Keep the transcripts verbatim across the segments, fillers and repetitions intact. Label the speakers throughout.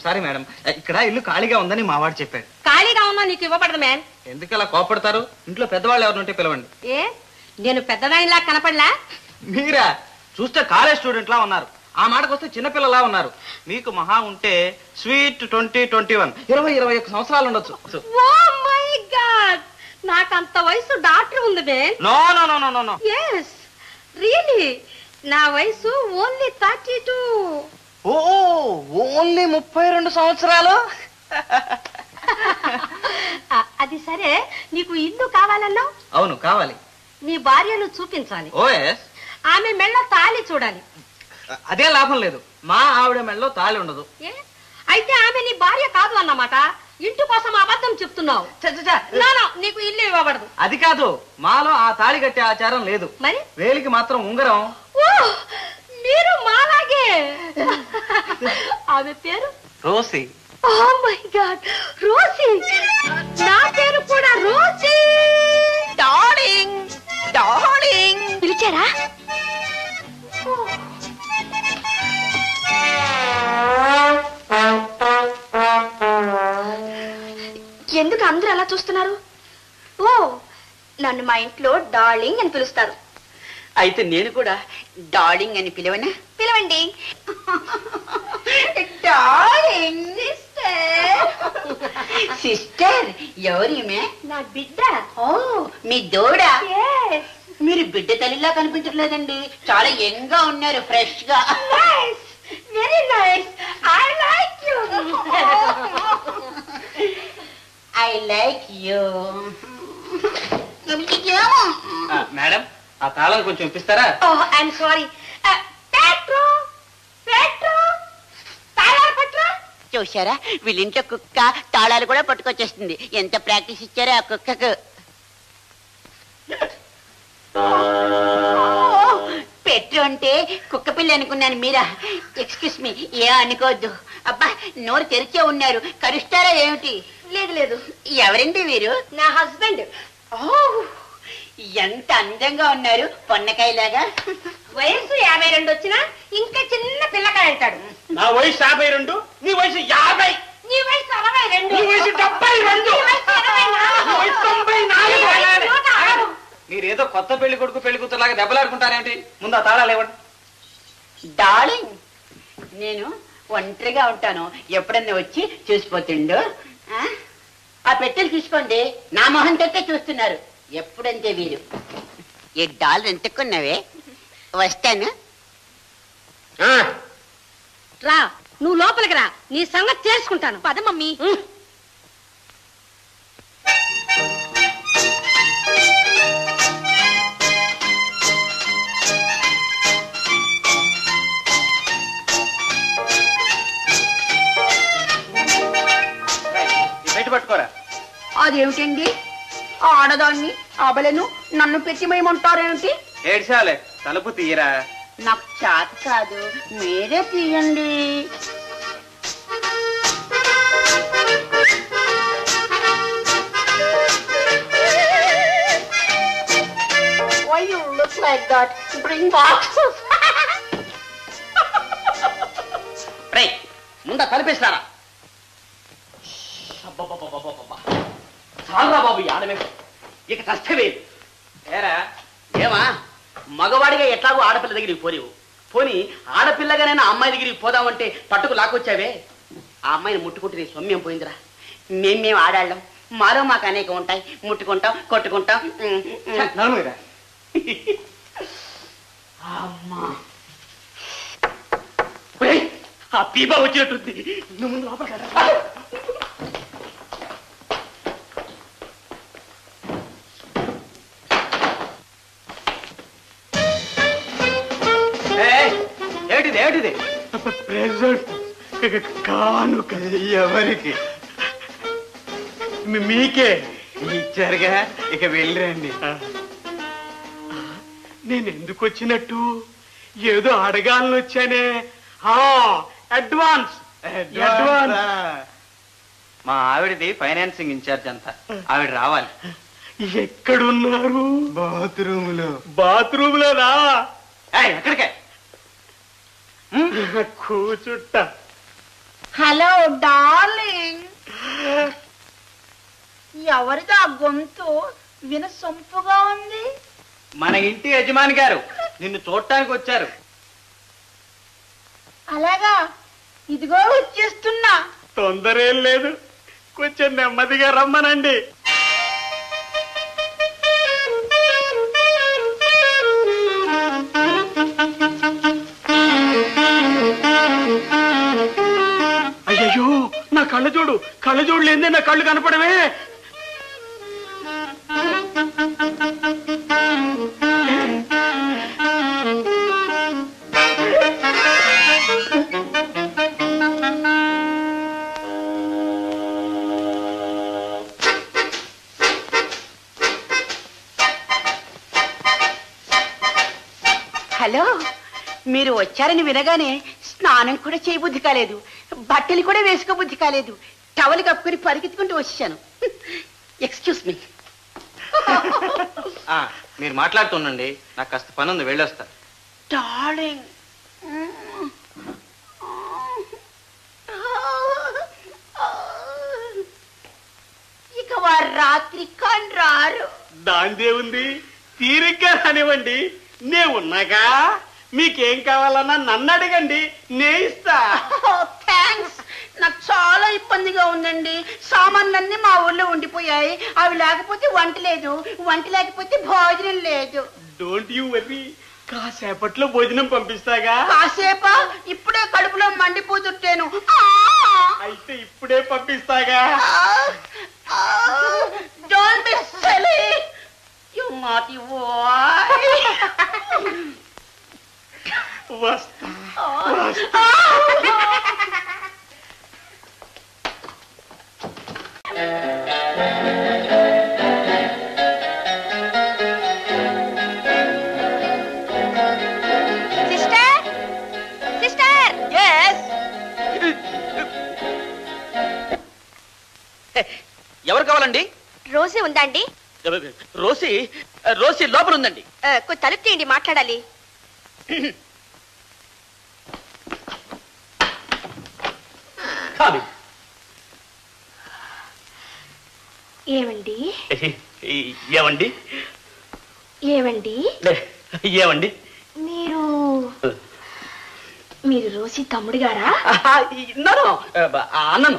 Speaker 1: Sorry madam, ఇక్కడ ఇల్లు ఖాళీగా ఉందని మా వాడు చెప్పాడు.
Speaker 2: ఖాళీగా ఉన్నా నీకు ఇవ్వబడదు మ్యామ్.
Speaker 1: ఎందుకు అలా కోపడతారు? ఇంట్లో పెద్దవాళ్ళు ఎవరు ఉంటే పిలవండి.
Speaker 2: ఏ నేను పెద్దదానిలా కనపడలా?
Speaker 1: మీరా? చూస్తే కాలేజ్ స్టూడెంట్ లా ఉన్నారు. ఆ మాటకు వస్తే చిన్నపిల్లలా ఉన్నారు. మీకు మహా ఉంటే స్వీట్ ట్వంటీ ట్వంటీ వన్ ఇరవై ఇరవై ఒక్క సంవత్సరాలు ఉండొచ్చు.
Speaker 2: ఓ మై గాడ్, నాకంత వయసు డాక్టర్ ఉంది ma'am.
Speaker 1: No no no no no no
Speaker 2: yes really, నా వయసు only thirty two.
Speaker 1: Oh only ముప్పై రెండు సంవత్సరాలు.
Speaker 2: అది సరే, నీకు ఇల్లు కావాలన్నా?
Speaker 1: అవును కావాలి.
Speaker 2: నీ భార్యను చూపించాలి.
Speaker 1: Oh yes.
Speaker 2: ఆమె మెళ్ళ తాళి చూడాలి.
Speaker 1: అదే లాభం లేదు, మా ఆవిడ మెళ్ళలో తాళి ఉండదు.
Speaker 2: అయితే ఆమె నీ భార్య కాదు అన్నమాట. ఇంటి కోసం అబద్ధం చెప్తున్నావు. నీకు ఇల్లు ఇవ్వబడదు.
Speaker 1: అది కాదు, మాలో ఆ తాళి కట్టే ఆచారం లేదు.
Speaker 2: మరి
Speaker 1: వేలికి మాత్రం ఉంగరం.
Speaker 2: ఓ మీరు మాలాగే. ఆమె పేరు
Speaker 1: రోసి.
Speaker 2: Oh my God, రోసి. నా పేరు కూడా రోసి. డార్లింగ్ డార్లింగ్ పిలిచారా? ఎందుకు అందరూ అలా చూస్తున్నారు? ఓ నన్ను మా ఇంట్లో డార్లింగ్ అని పిలుస్తారు.
Speaker 3: అయితే నేను కూడా డార్లింగ్ అని పిలవనా?
Speaker 2: పిలవండి.
Speaker 3: Darling sister. ఎవరిమే?
Speaker 2: నా బిడ్డ.
Speaker 3: ఓ మీ దూడ. మీరు బిడ్డ తల్లిలా కనిపించట్లేదండి, చాలా యంగ్ గా ఉన్నారు, ఫ్రెష్ గా.
Speaker 2: Very nice. I like you.
Speaker 3: I like you.
Speaker 1: Madam, ఆ తాళం కొంచెం ఇప్పిస్తారా?
Speaker 2: Oh I'm sorry. పెట్రో పెట్రో తాళాలు పట్రా.
Speaker 3: చూసారా, వీళ్ళింట్లో కుక్క తాళాలు కూడా పట్టుకొచ్చేస్తుంది. ఎంత ప్రాక్టీస్ ఇచ్చారో ఆ కుక్కకు. పెట్టు అంటే కుక్క పిల్ల అనుకున్నాను. మీరా? ఎక్స్క్యూస్ మీ, ఏ అనుకోవద్దు. అబ్బా, నోరు తెరిచే ఉన్నారు, కరుస్తారా ఏమిటి?
Speaker 2: లేదు లేదు.
Speaker 3: ఎవరండి వీరు?
Speaker 2: నా హస్బెండ్.
Speaker 3: ఓ ఎంత అందంగా ఉన్నారు, పొన్నకాయలాగా.
Speaker 2: వయసు యాభై రెండు వచ్చినా ఇంకా చిన్న పిల్లకాయ అంటాడు.
Speaker 1: నా వయసు యాభై రెండు, నీ వయసు యాభై.
Speaker 2: నీ వయసు అరవై రెండు.
Speaker 1: నీ వయసు డెబ్బై రెండు. తొంభై నాలుగు. మీరేదో కొత్త పెళ్లి కొడుకు పెళ్లి కూతురులాగా దెబ్బలాడుకుంటారేంటి? ముందు ఆ తాళాలు ఇవ్వండి.
Speaker 3: డార్లింగ్, నేను ఒంటరిగా ఉంటాను, ఎప్పుడన్నా వచ్చి చూసిపోతుండు. ఆ పెట్టెలు తీసుకోండి. నా మొహం తట్టే చూస్తున్నారు ఎప్పుడంతే వీరు. ఈ డాలర్ ఎంతకున్నావే? వస్తాను.
Speaker 2: రా, నువ్వు లోపలికి రా, నీ సంగతి చేసుకుంటాను. పద మమ్మీ.
Speaker 1: పట్టుకోరా.
Speaker 3: అదేమిటండి, ఆడదాన్ని అబలను నన్ను పెట్టిమేయమంటారేమిటి?
Speaker 1: ఏడ్చాలే, తలుపు తీయరా.
Speaker 3: నాకు చేత కాదు, మీరే తీయండి. Why you look like that? Bring boxes.
Speaker 1: రే, ముందా తలుపేస్తారా? చాలరా బాబు, ఆడమే ఇక కష్టమే. ఏరా ఏమా, మగవాడిగా ఎట్లాగో ఆడపిల్ల దగ్గరికి పోలేవు. పోని ఆడపిల్లగానైనా అమ్మాయి దగ్గరికి పోదామంటే పట్టుకు లాక్కొచ్చావే. ఆ అమ్మాయిని ముట్టుకుంటే నీ సొమ్యం పోయిందిరా. మేం మేము ఆడాళ్ళం, మాలో మాకు అనేక ఉంటాయి. ముట్టుకుంటాం, కొట్టుకుంటాం. అమ్మా, ఆ పీపా వచ్చినట్టుంది. నువ్వు ముందు లోపల. ఏమిటిది ఏమిటిది?
Speaker 4: ప్రెజెంట్ కానుక. ఎవరికి? మీకే
Speaker 1: ఇచ్చారుగా, ఇక వెళ్ళిరండి.
Speaker 4: నేను ఎందుకు వచ్చినట్టు? ఏదో అడగాలని వచ్చానే. Advance advance.
Speaker 1: మా ఆవిడది ఫైనాన్సింగ్ ఇన్ఛార్జ్ అంతా, ఆవిడ రావాలి.
Speaker 4: ఎక్కడున్నారు?
Speaker 1: బాత్రూమ్ లో.
Speaker 4: బాత్రూమ్ లోనా?
Speaker 1: ఎక్కడికే?
Speaker 4: కూచుట్ట.
Speaker 3: Hello darling. ఎవరిదా గొంతు వినసొంపుగా ఉంది?
Speaker 4: మన ఇంటి యజమాని గారు నిన్ను చూడటానికి వచ్చారు.
Speaker 3: అలాగా, ఇదిగో వచ్చేస్తున్నా.
Speaker 4: తొందర ఏం లేదు, కొంచెం నెమ్మదిగా రమ్మనండి. అయ్యో, నా కళ్ళ చూడు, కళ్ళ చూడు లేదే నా కళ్ళు కనపడవే.
Speaker 3: హలో, మీరు వచ్చారని వినగానే స్నానం కూడా చేయబుద్ధి కాలేదు, బట్టలు కూడా వేసుకోబుద్ధి కాలేదు. టవల్ కప్పుకొని పరిగెత్తుకుంటూ వచ్చాను. Excuse me.
Speaker 5: మీరు మాట్లాడుతుండండి, నాకు కాస్త పని ఉంది, వెళ్ళొస్తా.
Speaker 3: డార్లింగ్, ఇక వారు రాత్రి కాని రారు.
Speaker 4: దాందే ఉంది, తీరిగ్గా రానివ్వండి, నే ఉన్నాగా. మీకేం కావాలన్నా నన్ను అడగండి, నే ఇస్తా.
Speaker 3: థ్యాంక్స్. నాకు చాలా ఇబ్బందిగా ఉందండి. సామాన్లన్నీ మా ఊళ్ళో ఉండిపోయాయి. అవి లేకపోతే వంట లేదు, వంట లేకపోతే భోజనం లేదు.
Speaker 4: డోంట్ యూ వర్రీ, కాసేపట్లో భోజనం పంపిస్తాగా.
Speaker 3: కాసేపా? ఇప్పుడే కడుపులో మండిపోతుంటేను.
Speaker 4: అయితే ఇప్పుడే పంపిస్తాగా.
Speaker 3: Don't be silly, you naughty boy.
Speaker 4: వస్తా.
Speaker 2: Sister, sister.
Speaker 1: ఎవరు కావాలండి?
Speaker 2: రోజీ ఉందండి?
Speaker 1: రోసి, రోసి లోపల ఉందండి.
Speaker 2: కొంచెం తలుపు తీయండి, మాట్లాడాలి. ఏమండి
Speaker 1: ఏమండి
Speaker 2: ఏమండి
Speaker 1: ఏమండి
Speaker 2: మీరు మీరు రోజీ తమ్ముడు గారా?
Speaker 1: నన్ను అన్నను.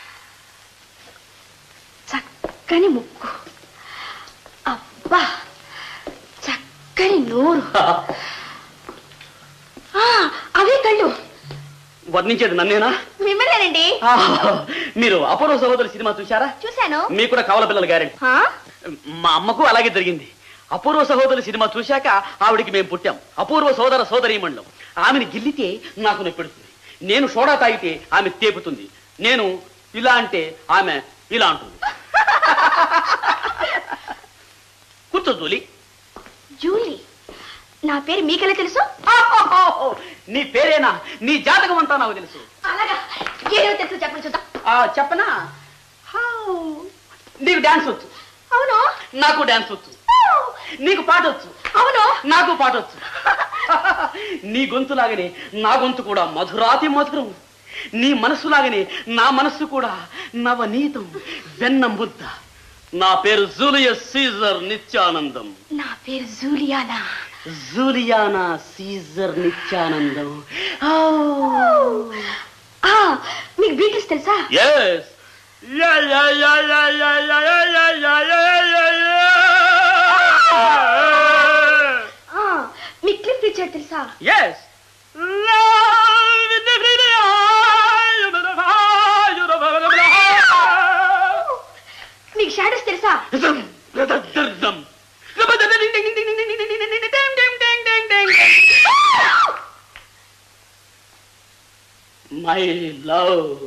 Speaker 2: చక్కని ముక్కు, అబ్బా చక్కని నోరు, అవే కళ్ళు.
Speaker 1: వర్ణించేది నన్నేనా?
Speaker 2: మిమ్మల్నేనండి.
Speaker 1: మీరు అపూర్వ సహోదరు సినిమా చూశారా?
Speaker 2: చూశాను.
Speaker 1: మీకు కూడా కవల పిల్లలు గ్యారెంటీ. మా అమ్మకు అలాగే జరిగింది. అపూర్వ సహోదరు సినిమా చూశాక ఆవిడికి మేము పుట్టాం. అపూర్వ సోదర సోదరీమణులం. ఆమెను గిల్లితే నాకు నొప్పెడుతుంది, నేను సోడా తాగితే ఆమె తేపుతుంది, నేను ఇలా అంటే ఆమె ఇలా అంటుంది. కూర్చో జూలీ.
Speaker 2: జూలీ? నా పేరు మీకెలా తెలుసు?
Speaker 1: నీ పేరేనా? నీ జాతకం అంతా నాకు తెలుసు.
Speaker 2: అలాగా? ఏమో తెలుసు, చెప్పండి చూద్దాం.
Speaker 1: చెప్పనా? నీకు డాన్స్ వచ్చు.
Speaker 2: అవును.
Speaker 1: నాకు డాన్స్ వచ్చు. నీకు పాట వచ్చు.
Speaker 2: అవును.
Speaker 1: నాకు పాట వచ్చు. నీ గొంతులాగనే నా గొంతు కూడా మధురాతి మధురం. నీ మనస్సులాగనే నా మనస్సు కూడా నవనీతం, వెన్న ముద్ద. నా పేరు జూలియస్ సీజర్ నిత్యానందం.
Speaker 2: నా పేరు జూలియానా.
Speaker 1: జూలియానా సీజర్ నిత్యానందం.
Speaker 2: మీకు బీటిల్స్ తెలుసా?
Speaker 1: ఎస్.
Speaker 2: మీకు క్లిఫ్ రిచర్డ్ తెలుసా?
Speaker 1: ఎస్.
Speaker 2: మీకు షాడోస్ తెలుసా?
Speaker 1: My love.